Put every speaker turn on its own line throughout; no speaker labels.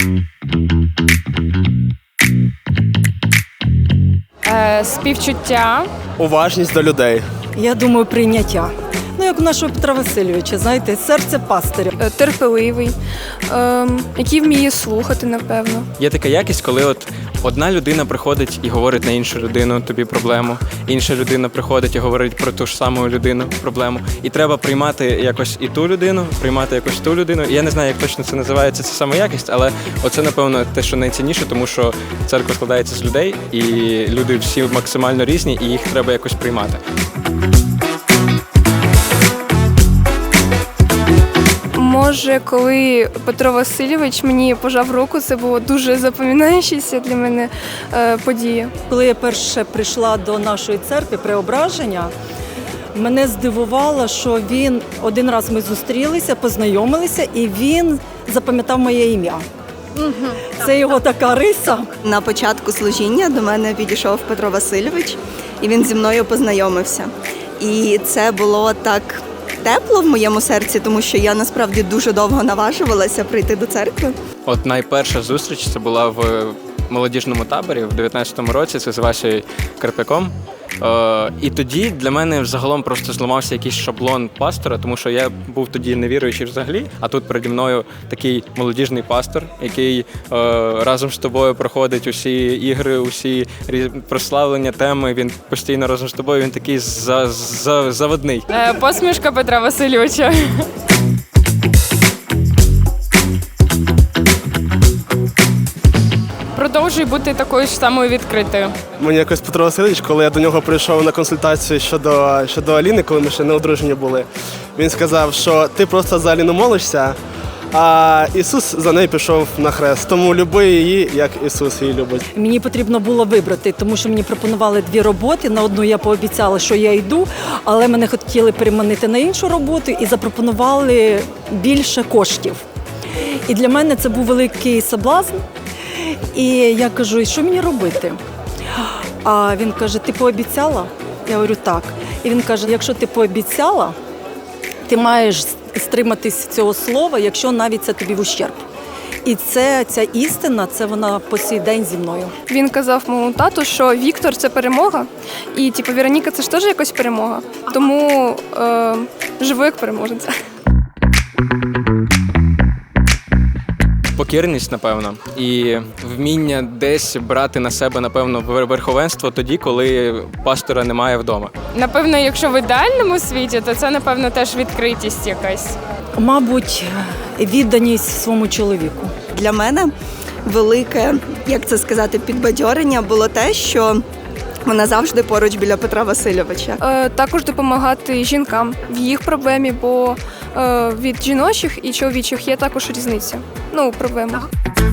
Співчуття.
Уважність до людей.
Я думаю, прийняття. Ну, як у нашого Петра Васильовича, знаєте, серце пастиря.
Терпеливий, який вміє слухати, напевно.
Є така якість, коли от одна людина приходить і говорить на іншу людину тобі проблему, інша людина приходить і говорить про ту ж саму людину проблему. І треба приймати якось і ту людину, приймати якось ту людину. І я не знаю, як точно це називається, це саме якість, але оце, напевно, те, що найцінніше, тому що церква складається з людей, і люди всі максимально різні, і їх треба якось приймати.
Може, коли Петро Васильович мені пожав руку, це було дуже запам'ятаючася для мене подія.
Коли я перше прийшла до нашої церкви Преображення, мене здивувало, що він один раз ми зустрілися, познайомилися, і він запам'ятав моє ім'я. Це його така риса.
На початку служіння до мене підійшов Петро Васильович, і він зі мною познайомився. І це було так тепло в моєму серці, тому що я насправді дуже довго наважувалася прийти до церкви.
От найперша зустріч це була в молодіжному таборі в 19-му році, це з Васею Карпяком. І тоді для мене взагалом просто зламався якийсь шаблон пастора, тому що я був тоді невіруючий взагалі, а тут переді мною такий молодіжний пастор, який разом з тобою проходить усі ігри, усі прославлення теми, він постійно разом з тобою, він такий заводний.
Посмішка Петра Васильовича. Продовжуй бути такою ж самою відкритою.
Мені якось Петро Васильович, коли я до нього прийшов на консультацію щодо Аліни, коли ми ще не одружені були, він сказав, що ти просто за Аліну молишся, а Ісус за нею пішов на хрест. Тому люби її, як Ісус її любить.
Мені потрібно було вибрати, тому що мені пропонували 2 роботи. На одну я пообіцяла, що я йду, але мене хотіли переманити на іншу роботу і запропонували більше коштів. І для мене це був великий соблазн. І я кажу, і що мені робити? А він каже, ти пообіцяла? Я говорю, так. І він каже, якщо ти пообіцяла, ти маєш стриматись цього слова, якщо навіть це тобі в ущерб. І ця істина, це вона по сей день зі мною.
Він казав моєму тату, що Віктор – це перемога, і Вероніка – це ж теж якась перемога. Тому живу як переможниця.
Покірність, напевно, і вміння десь брати на себе, напевно, верховенство тоді, коли пастора немає вдома.
Напевно, якщо в ідеальному світі, то це, напевно, теж відкритість якась.
Мабуть, відданість своєму чоловіку.
Для мене велике, як це сказати, підбадьорення було те, що вона завжди поруч біля Петра Васильовича.
Також допомагати жінкам в їх проблемі, бо від жіночих і чоловічих є також різниця. Ну, у проблемах.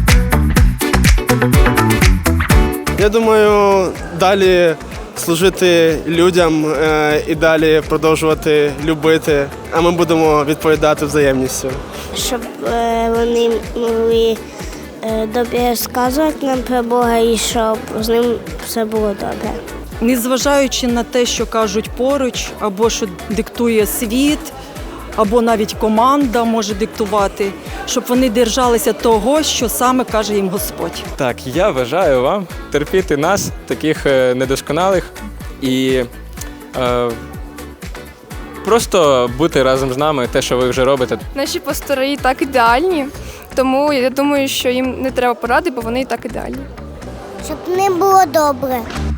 Я думаю, далі служити людям і далі продовжувати любити, а ми будемо відповідати взаємністю.
Щоб вони могли добре розказувати нам про Бога і щоб з ним все було добре.
Незважаючи на те, що кажуть поруч, або що диктує світ, або навіть команда може диктувати, щоб вони держалися того, що саме каже їм Господь.
Так, я бажаю вам терпіти нас, таких недосконалих, і просто бути разом з нами, те, що ви вже робите.
Наші пастори і так ідеальні, тому я думаю, що їм не треба поради, бо вони і так ідеальні.
Щоб ним було добре.